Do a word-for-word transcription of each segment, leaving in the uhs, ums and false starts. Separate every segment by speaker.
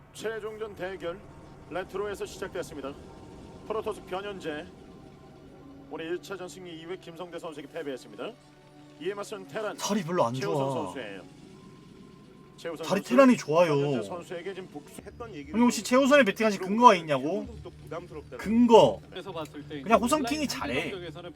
Speaker 1: 최종전 대결 레트로에서 시작됐습니다. 프로토스 변현재 올해 일 차전 승리 이후에 김성대 선수에게 패배했습니다. 이에 맞선 테란
Speaker 2: 자리 별로 안
Speaker 1: 최우선
Speaker 2: 좋아.
Speaker 1: 선수예요. 최우선
Speaker 2: 자리
Speaker 1: 선수,
Speaker 2: 테란이 좋아요.
Speaker 1: 변현재 선수에게 지금 복수했던 얘기를
Speaker 2: 형님 혹시 최우선에 배팅하신 근거가 있냐고? 근거 그냥 호성킹이 잘해.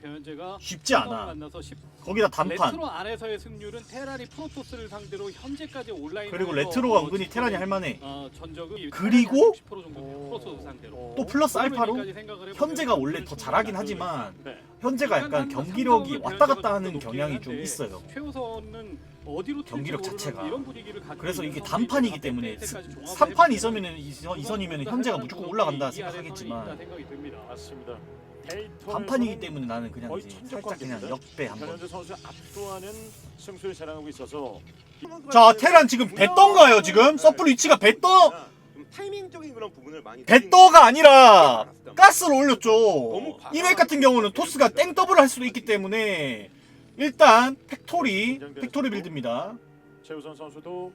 Speaker 2: 쉽지 않아. 거기다 단판.
Speaker 3: 레트로 안에서의 승률은 테란이 프로토스를 상대로 현재까지 온라인
Speaker 2: 그리고 레트로가 은근히 테란이 할만해.
Speaker 3: 어, 전적은
Speaker 2: 그리고
Speaker 3: 육십 퍼센트 정도 프로토스 상대로
Speaker 2: 또 플러스 알파로
Speaker 3: 생각을
Speaker 2: 현재가 원래 더 잘하긴 하지만
Speaker 1: 네.
Speaker 2: 현재가 약간 경기력이 왔다 갔다 하는 경향이 좀 있어요.
Speaker 3: 최우선은 어디로
Speaker 2: 경기력 자체가.
Speaker 3: 이런 분위기를 갖고
Speaker 2: 그래서
Speaker 3: 있는
Speaker 2: 이게
Speaker 3: 상황이
Speaker 2: 단판이기
Speaker 3: 있어서
Speaker 2: 때문에
Speaker 3: 그때까지 종합을
Speaker 2: 삼 판
Speaker 3: 해보면
Speaker 2: 이선이면 이선이면 현재가 무조건 올라간다 생각하겠지만
Speaker 3: 생각이 듭니다.
Speaker 1: 맞습니다. 데이터에서는
Speaker 2: 단판이기 때문에 나는 그냥
Speaker 1: 거의
Speaker 2: 이제
Speaker 1: 천적
Speaker 2: 살짝 그냥
Speaker 1: 관계입니다.
Speaker 2: 역배 한번.
Speaker 1: 변현재 선수 압도하는 승수를 자랑하고 있어서
Speaker 2: 자 테란 지금 배떠인가요 지금? 서플 위치가 배떠
Speaker 4: 타이밍적인 그런 부분을 많이
Speaker 2: 배떠가 아니라 가스를 올렸죠. 이맥 같은 경우는 토스가 땡 더블을 할 수도 있기 때문에 일단 팩토리 팩토리 빌드입니다.
Speaker 1: 최우선 선수도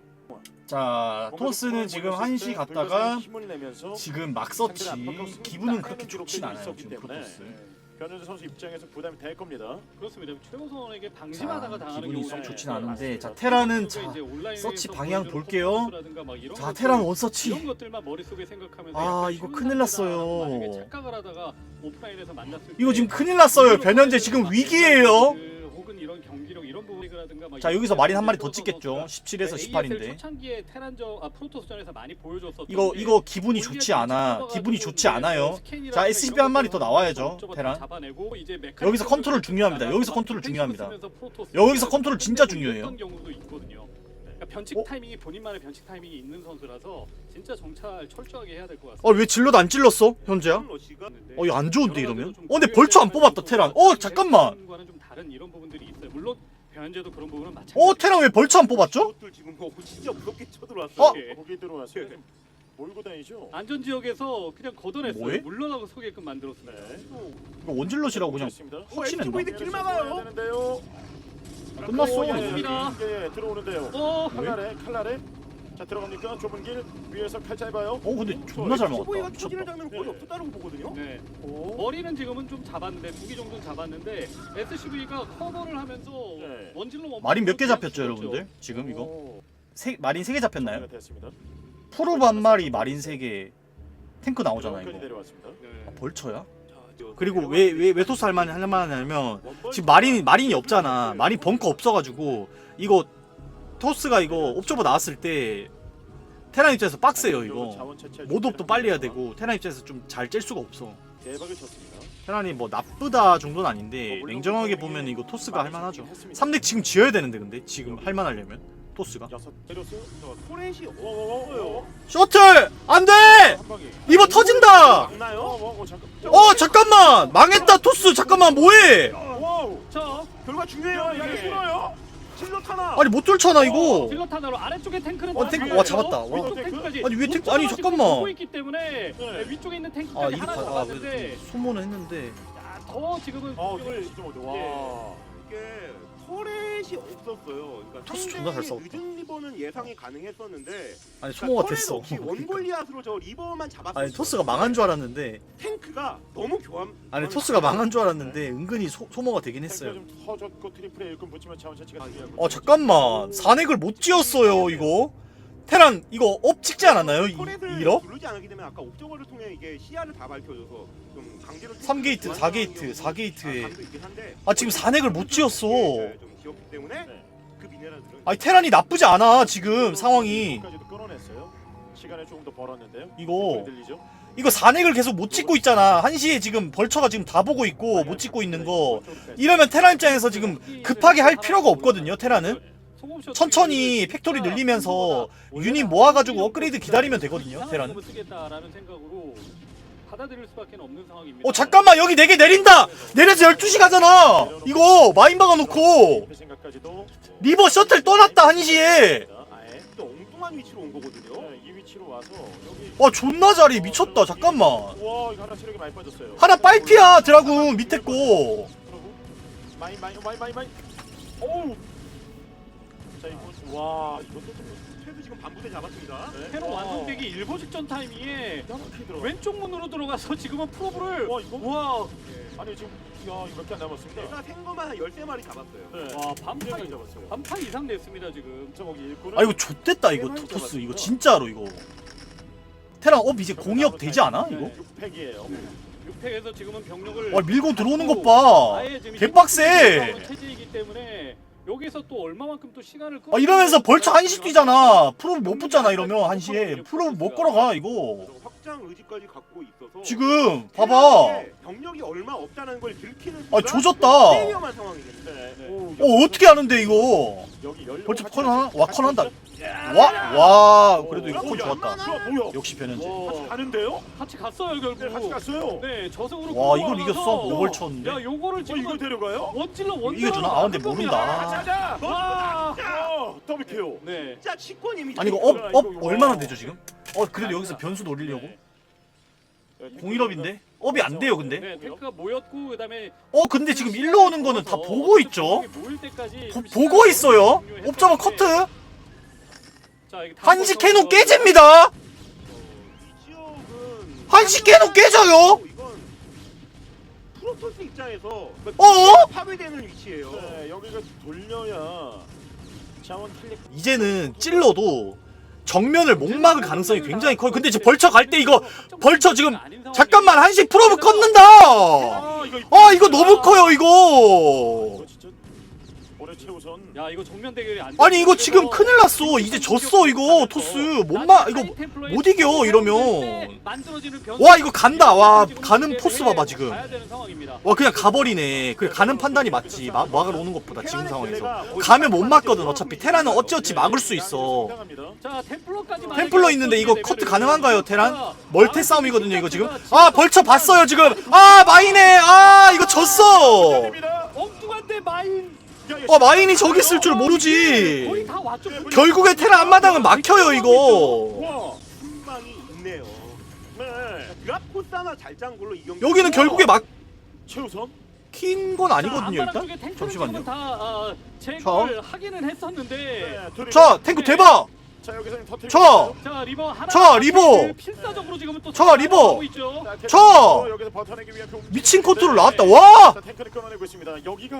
Speaker 2: 자 토스는 지금 한시 갔다가
Speaker 1: 힘을 내면서
Speaker 2: 지금 막 서치 기분은 그렇게 좋진 않아요 지금 프로토스.
Speaker 1: 변현재 선수 입장에서 부담이 될 겁니다.
Speaker 3: 그렇습니다. 최우선에게 방심하다가
Speaker 2: 자,
Speaker 3: 당하는
Speaker 2: 기분이
Speaker 3: 경우가
Speaker 2: 썩 좋진
Speaker 3: 있어요.
Speaker 2: 않은데 자 테란은 자
Speaker 3: 이제 온라인에서
Speaker 2: 서치 방향
Speaker 3: 보여주는
Speaker 2: 볼게요.
Speaker 3: 퍼포먼스라든가 막 이런
Speaker 2: 자
Speaker 3: 것들,
Speaker 2: 테란 원서치
Speaker 3: 이런 것들만 머릿속에 생각하면서
Speaker 2: 아,
Speaker 3: 약간
Speaker 2: 이거
Speaker 3: 쉬운
Speaker 2: 큰일 났어요.
Speaker 3: 상대다라고 만약에 착각을 하다가 오프라인에서 만났을
Speaker 2: 이거
Speaker 3: 때
Speaker 2: 지금 큰일 났어요. 변현재 지금 위기예요.
Speaker 3: 그 혹은 이런 경기력 이런 부분이라든가 막
Speaker 2: 자
Speaker 3: 이런
Speaker 2: 여기서 마린 한 마리 더
Speaker 3: 선수가
Speaker 2: 찍겠죠. 십칠에서
Speaker 3: 에이에스엘
Speaker 2: 십팔인데
Speaker 3: 초창기에 테란전 아 프로토스전에서 많이 보여줬었던
Speaker 2: 이거
Speaker 3: 게
Speaker 2: 이거 기분이 좋지 않아. 기분이 좋지 않아요. 자 에스씨비 한 마리 더 나와야죠. 테란 여기서 컨트롤 중요합니다. 여기서 컨트롤 중요합니다. 여기서 컨트롤 진짜 중요해요.
Speaker 3: 경우도 있거든요. 그러니까 변칙
Speaker 2: 어?
Speaker 3: 타이밍이 본인만의 변칙 타이밍이 있는 선수라서 진짜 정찰 철저하게 해야 될 것 같습니다.
Speaker 2: 어 왜 질러도 안 찔렀어 현재야? 어 이거 안 좋은데 이러면? 어 근데 벌초 안 뽑았다 테란. 어 잠깐만.
Speaker 3: 과는 좀 다른 이런 부분들이 있어요. 물론 변현재도 그런 부분은 마찬가지.
Speaker 2: 어 테란 왜 벌초 안 뽑았죠?
Speaker 4: 이것들 지금 뭐 진짜 무섭게 쳐들어왔어요.
Speaker 2: 어?
Speaker 1: 거기 들어와서 좀 몰고 다니죠.
Speaker 3: 안전 지역에서 그냥 걷어냈어요.
Speaker 2: 뭐해?
Speaker 3: 물러나고 서게끔 만들었습니다.
Speaker 1: 네.
Speaker 2: 이거 원질럿이라고 그냥
Speaker 1: 좋습니다.
Speaker 2: 확신했나?
Speaker 4: 길 막아요.
Speaker 1: 되는데요.
Speaker 2: 끝났어.
Speaker 1: 오, 예,
Speaker 3: 좋습니다.
Speaker 1: 예, 예, 들어오는데요.
Speaker 3: 어,
Speaker 1: 칼날에 칼날에 자 들어갑니까? 좁은 길 위에서 칼 짧아요.
Speaker 2: 어 근데 존나 잘
Speaker 4: 초보이가
Speaker 2: 먹었다.
Speaker 4: 초기를
Speaker 2: 미쳤다.
Speaker 4: 잡는 거의 없었다고 보거든요.
Speaker 3: 네.
Speaker 1: 오.
Speaker 3: 머리는 지금은 좀 잡았는데 두 개 정도는 잡았는데 에스씨브이가 커버를 하면서
Speaker 1: 네.
Speaker 3: 원질로 원
Speaker 2: 마린 몇 개 잡혔죠
Speaker 3: 그렇죠.
Speaker 2: 여러분들? 지금 이거
Speaker 1: 오,
Speaker 2: 세, 마린 세 개 잡혔나요?
Speaker 1: 정리가 됐습니다.
Speaker 2: 프로브 한 마리 마린 세 개 탱크 나오잖아
Speaker 1: 여기까지
Speaker 2: 이거.
Speaker 1: 내려왔습니다.
Speaker 3: 네.
Speaker 2: 아, 벌쳐야? 그리고 왜 왜 왜 토스 할만 할만하냐면 지금 마린 마린이 없잖아. 마린 벙커 없어가지고 이거 토스가 이거 옵저버 나왔을 때 테란 입장에서 빡세요 이거.
Speaker 1: 자원 채취할
Speaker 2: 모드업도 빨리 해야 되고 테란 입장에서 좀 잘 짤 수가 없어.
Speaker 1: 대박을 쳤습니다.
Speaker 2: 테란이 뭐 나쁘다 정도는 아닌데 냉정하게 보면 이거 토스가 할만하죠. 삼 덱 지금 지어야 되는데 근데 지금 할만하려면 토스가
Speaker 1: 여섯 때렸어.
Speaker 4: 토렛이
Speaker 1: 오오오오.
Speaker 2: 셔틀 안돼
Speaker 1: 한 방에.
Speaker 2: 리버 터진다.
Speaker 4: 막나요?
Speaker 1: 어, 어, 잠깐.
Speaker 2: 어 잠깐만 망했다 토스 잠깐만 뭐해?
Speaker 1: 와우.
Speaker 3: 자,
Speaker 4: 결과 중요해요.
Speaker 1: 야,
Speaker 4: 이게
Speaker 1: 이게 싫어요.
Speaker 4: 실력 하나.
Speaker 2: 아니 못 뚫잖아 이거.
Speaker 3: 질럿 하나로 아래쪽에 탱크는
Speaker 2: 어,
Speaker 3: 다
Speaker 2: 탱크,
Speaker 3: 잡았고요.
Speaker 2: 와, 잡았다. 와.
Speaker 3: 위쪽 탱크까지
Speaker 2: 아니, 위에 탱크- 아니,
Speaker 3: 옥저버가
Speaker 2: 잠깐만.
Speaker 3: 지금 보고 있기 때문에
Speaker 1: 네.
Speaker 3: 네, 위쪽에 있는
Speaker 2: 아
Speaker 3: 탱크까지
Speaker 2: 이리
Speaker 3: 하나
Speaker 2: 가. 아
Speaker 3: 잡았는데
Speaker 2: 소모는 했는데.
Speaker 3: 자, 더 지금은
Speaker 1: 어,
Speaker 3: 공격을
Speaker 1: 진짜 못해. 와.
Speaker 4: 이게 터렛이 없었어요. 그러니까
Speaker 2: 토스 존나 잘
Speaker 4: 상대의
Speaker 2: 싸웠다.
Speaker 4: 늦은 리버는 예상이 가능했었는데
Speaker 2: 아니
Speaker 4: 그러니까
Speaker 2: 소모가
Speaker 4: 터렛
Speaker 2: 됐어.
Speaker 4: 없이 원골리앗으로 저 리버만 잡았어요.
Speaker 2: 아니 토스가 망한 줄 알았는데.
Speaker 4: 탱크가 너무 교환.
Speaker 2: 아니 토스가 망한 줄 알았는데 은근히 소, 소모가 되긴 했어요.
Speaker 1: 좀 터졌고 트리플에 일꾼 붙이면 자원 채취가 중요하고.
Speaker 2: 어 잠깐만 산액을 못 지었어요 이거. 테란 이거 업 찍지 않았나요? 이,
Speaker 4: 터렛을
Speaker 2: 이러?
Speaker 4: 누르지 않게 되면 아까 옵저버를 통해 이게 시야를 다 밝혀줘서 좀 강제로
Speaker 2: 삼 게이트,
Speaker 4: 교환
Speaker 2: 사 게이트,
Speaker 4: 상황이
Speaker 2: 사 게이트에.
Speaker 4: 감도 있긴 한데
Speaker 2: 아 지금 산액을 못 지었어.
Speaker 4: 좀 지었기 때문에
Speaker 1: 네.
Speaker 4: 그 미네랄들은
Speaker 2: 아니 테란이 나쁘지 않아 지금 상황이.
Speaker 1: 까지도 끌어냈어요. 시간을 조금 더 벌었는데요.
Speaker 2: 이거
Speaker 1: 들리죠?
Speaker 2: 이거 산액을 계속 못 찍고 있잖아. 한시에 지금 벌처가 지금 다 보고 있고 못 찍고 있는 거. 이러면 테란 입장에서 지금 급하게 할 필요가 없거든요 테란은. 천천히 팩토리 늘리면서 유닛 모아가지고 업그레이드 기다리면 되거든요 테란은.
Speaker 3: 쓰겠다라는 생각으로 받아들일 수밖에 없는 상황입니다.
Speaker 2: 어 잠깐만 여기 네 개 내린다. 내려서 열두 시 가잖아. 이거 마인 박아놓고
Speaker 1: 생각까지도
Speaker 2: 리버 셔틀 떠났다 한시에.
Speaker 1: 아예
Speaker 4: 또 엉뚱한 위치로 온 거거든요.
Speaker 1: 네, 이 위치로 와서 여기
Speaker 2: 와 존나 잘해 미쳤다. 잠깐만
Speaker 1: 와 이거 하나 체력이 많이 빠졌어요.
Speaker 2: 하나 빨피야 드라군 밑에 거.
Speaker 1: 많이 많이 많이 많이 많이. 오우. 자 이거 와 이것도 좀
Speaker 4: 최소 지금 반부대 잡았습니다.
Speaker 1: 네.
Speaker 3: 테러
Speaker 1: 와.
Speaker 3: 완성되기 일보 직전 타이밍에
Speaker 1: 이렇게 들어가.
Speaker 3: 왼쪽 문으로 들어가서 지금은 프로브를
Speaker 1: 와 이거
Speaker 3: 와,
Speaker 4: 예.
Speaker 1: 아니 지금 야 이거밖에 안 남았습니다.
Speaker 4: 내가 생거만 한 열세 마리 잡았어요.
Speaker 1: 네.
Speaker 3: 와 반판
Speaker 1: 굉장히 잡았어요.
Speaker 3: 반판 이상 냈습니다 지금.
Speaker 1: 정확히 일꾼을
Speaker 2: 아 이거 좆됐다 이거 토- 토스 이거 진짜로 이거. 테란 업 이제 공이업 되지 않아 이거?
Speaker 1: 육 팩이에요.
Speaker 3: 육 팩에서 지금은 병력을
Speaker 2: 와 밀고 들어오는 것 봐.
Speaker 3: 아예 지금
Speaker 2: 개빡세.
Speaker 3: 체제이기 때문에 여기서 또 얼마만큼 또 시간을
Speaker 2: 아 이러면서 벌써 한시 뛰잖아. 프로 못 붙잖아 이러면 한시에. 프로 못 걸어가 이거.
Speaker 4: 그래서 확장 의지까지 갖고 있어서
Speaker 2: 지금 봐봐.
Speaker 4: 테란에게 병력이 얼마 없다는 걸 들키는
Speaker 2: 아 조졌다.
Speaker 4: 꽤 위험한 상황이겠네.
Speaker 1: 네, 네.
Speaker 2: 어 어떻게 하는데 이거?
Speaker 1: 여기 열.
Speaker 2: 벌써 컨 하나? 와 컨 한다. 와 와 그래도 이거 컨 좋았다.
Speaker 1: 좋아 뭐야?
Speaker 2: 역시 변현재.
Speaker 3: 와,
Speaker 1: 가는데요?
Speaker 3: 같이 갔어요 결국.
Speaker 1: 네, 같이 갔어요.
Speaker 3: 네 저승으로
Speaker 2: 와,
Speaker 3: 끌고
Speaker 2: 이걸
Speaker 3: 와가서
Speaker 2: 이겼어? 오벌 쳤는데?
Speaker 3: 야 요거를
Speaker 1: 어
Speaker 3: 지금
Speaker 1: 이걸 데려가요?
Speaker 3: 원질러 원질러
Speaker 2: 이겨주나? 아, 근데 모른다.
Speaker 1: 가자.
Speaker 3: 와.
Speaker 1: 어 더블 케어.
Speaker 3: 네.
Speaker 4: 진짜 치권입니다.
Speaker 2: 아니 이거 업 업 얼마나 되죠 지금? 어 그래도 여기서 변수 노리려고?
Speaker 1: 네.
Speaker 2: 공일업인데? 업이 안 돼요 근데?
Speaker 3: 네 탱크가 모였고 그다음에
Speaker 2: 어 근데 지금 일로 오는 거는 다 보고 있죠?
Speaker 3: 모일 때까지
Speaker 2: 보, 보고 있어요? 옵저버 커트?
Speaker 3: 자, 이게 다
Speaker 2: 한시
Speaker 3: 보여서-
Speaker 2: 캐논 깨집니다!
Speaker 4: 어, 이 지역은
Speaker 2: 한시 캐논 깨져요?
Speaker 4: 이건 프로토스 입장에서
Speaker 2: 어?
Speaker 4: 파괴되는 위치예요.
Speaker 1: 네, 여기가 돌려야 자원 킬릭.
Speaker 2: 이제는 찔러도 정면을 못 막을 가능성이 굉장히 커요. 근데 지금 벌쳐 갈 때 이거 벌쳐 지금 잠깐만 한시 프로브 껐는다!
Speaker 1: 아 이거
Speaker 2: 아 이거 너무 커요 이거!
Speaker 1: 이거 진짜 올해 최우선.
Speaker 3: 야 이거 정면 대결이 안
Speaker 2: 아니 이거 지금 큰일 났어. 이제 졌어 이거 토스. 못 막 이거 못 이겨 이러면. 와 이거 간다. 와 가는 포스 봐봐 지금.
Speaker 3: 가야 되는 상황입니다.
Speaker 2: 와 그냥 가버리네. 그래 가는 판단이 맞지. 막 막으러 오는 것보다 지금 상황에서. 가면 못 막거든 어차피. 테란은 어찌어찌 막을 수 있어.
Speaker 3: 자 템플러까지
Speaker 2: 템플러 있는데 이거 커트 가능한가요 테란? 멀테 싸움이거든요 이거 지금. 아 벌쳐 봤어요 지금. 아 마이네. 아 이거 졌어.
Speaker 3: 엉뚱한데 마인
Speaker 2: 어 마인이 저기 있을 줄 모르지.
Speaker 3: 거의 다 왔죠.
Speaker 2: 결국에 테란 앞마당은 막혀요 이거.
Speaker 1: 와.
Speaker 4: 순방이 있네요.
Speaker 1: 네.
Speaker 4: 드랍코스 하나 잘 짠 걸로 이 경기.
Speaker 2: 여기는 결국에
Speaker 1: 최우선.
Speaker 2: 막힌 건 아니거든요 일단.
Speaker 3: 잠시만요.
Speaker 2: 잠시만요.
Speaker 3: 다 아, 제거를 하기는 했었는데.
Speaker 1: 네, 둘이-
Speaker 2: 자 탱크 대박.
Speaker 1: 자 여기서 터뜨리고
Speaker 2: 저!
Speaker 1: 있어요.
Speaker 3: 자 리버 하나.
Speaker 2: 저, 리버!
Speaker 3: 필사적으로 지금은 또
Speaker 2: 저, 리버!
Speaker 3: 하고 있죠.
Speaker 1: 자, 탱크
Speaker 2: 저!
Speaker 1: 여기서 버텨내기 위한 그
Speaker 2: 미친
Speaker 1: 움직임인데,
Speaker 2: 컨트롤 나왔다.
Speaker 1: 네.
Speaker 2: 와!
Speaker 1: 자, 탱크를 끊어내고 있습니다. 여기가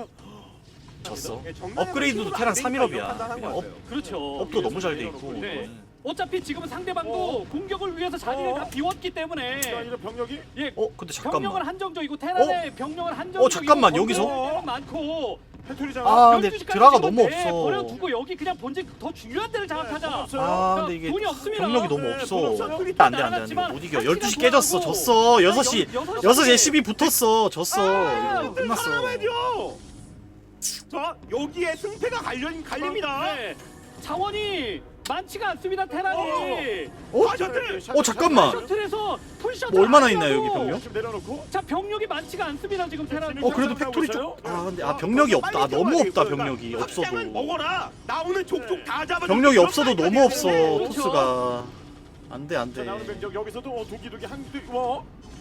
Speaker 2: 졌어.
Speaker 4: 예, 정면에서
Speaker 2: 업그레이드도
Speaker 4: 힘으로
Speaker 2: 테란
Speaker 4: 안 되니까
Speaker 2: 삼 일업이야.
Speaker 4: 이런 판단한 것
Speaker 2: 업-
Speaker 4: 같아요.
Speaker 3: 그렇죠.
Speaker 2: 업도 너무 잘 돼 있고.
Speaker 3: 네. 어차피 지금은 상대방도 공격을 위해서 자리를
Speaker 1: 어.
Speaker 3: 다 비웠기 때문에
Speaker 1: 자 이제 병력이
Speaker 3: 예.
Speaker 2: 어 근데
Speaker 3: 병력은
Speaker 2: 잠깐만.
Speaker 3: 한정적이고 테란의 병력은 한정적이고
Speaker 2: 어, 잠깐만,
Speaker 3: 건설은
Speaker 2: 여기서?
Speaker 3: 많고
Speaker 1: 해투리잖아.
Speaker 2: 아 근데
Speaker 3: 열두 시까지
Speaker 2: 드라가
Speaker 3: 지금
Speaker 2: 너무
Speaker 3: 네,
Speaker 2: 없어.
Speaker 3: 버려두고 여기 그냥 본진 더 중요한 데를 장악하자.
Speaker 1: 없어요.
Speaker 2: 아 근데 이게
Speaker 3: 돈이 없습니다.
Speaker 2: 병력이 너무
Speaker 1: 네,
Speaker 2: 없어.
Speaker 1: 돈 없어요.
Speaker 2: 안돼 안돼 안돼 못 이겨. 열두 시 깨졌어. 졌어. 여섯 시 여섯 시에 십이 붙었어. 졌어.
Speaker 3: 아,
Speaker 2: 이거 끝났어.
Speaker 4: 살아남아야죠. 자 여기에 승패가 갈려 갈립니다.
Speaker 3: 네. 자원이 많지가 않습니다. 테란이.
Speaker 2: 어?
Speaker 4: 아, 셔틀!
Speaker 2: 어 잠깐만.
Speaker 3: 셔틀에서 풀셔틀
Speaker 2: 뭐 얼마나
Speaker 3: 아니라고.
Speaker 2: 있나요, 여기 병력?
Speaker 1: 지금 내려놓고.
Speaker 3: 자 병력이 많지가 않습니다 지금 테란이.
Speaker 2: 어 그래도 팩토리 쪽. 아 근데 아 병력이 없다. 아, 너무 없다 병력이 없어도.
Speaker 4: 확장은 먹어라. 나오는 족족 다 잡아.
Speaker 2: 병력이 없어도 너무 없어
Speaker 3: 그렇죠.
Speaker 2: 토스가. 안돼
Speaker 1: 자
Speaker 2: 안돼.
Speaker 1: 나오는 병력 여기서도 어, 두기두기 한두 와.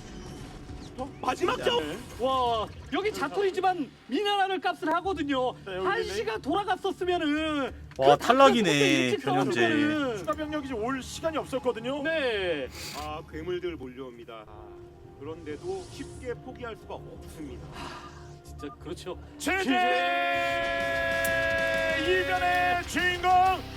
Speaker 4: 마지막 점.
Speaker 1: 네.
Speaker 3: 와 여기 자토리지만 미네랄을 값을 하거든요.
Speaker 1: 네, 여기
Speaker 3: 한시가 돌아갔었으면은
Speaker 2: 와,
Speaker 3: 그
Speaker 2: 탈락이네,
Speaker 3: 일찍
Speaker 2: 변현재.
Speaker 3: 싸우는
Speaker 1: 추가 병력이 이제 올 시간이 없었거든요.
Speaker 3: 네.
Speaker 4: 아 괴물들 몰려옵니다. 아, 그런데도 쉽게 포기할 수가 없습니다.
Speaker 3: 진짜 그렇죠.
Speaker 1: 제제 이변의 주인공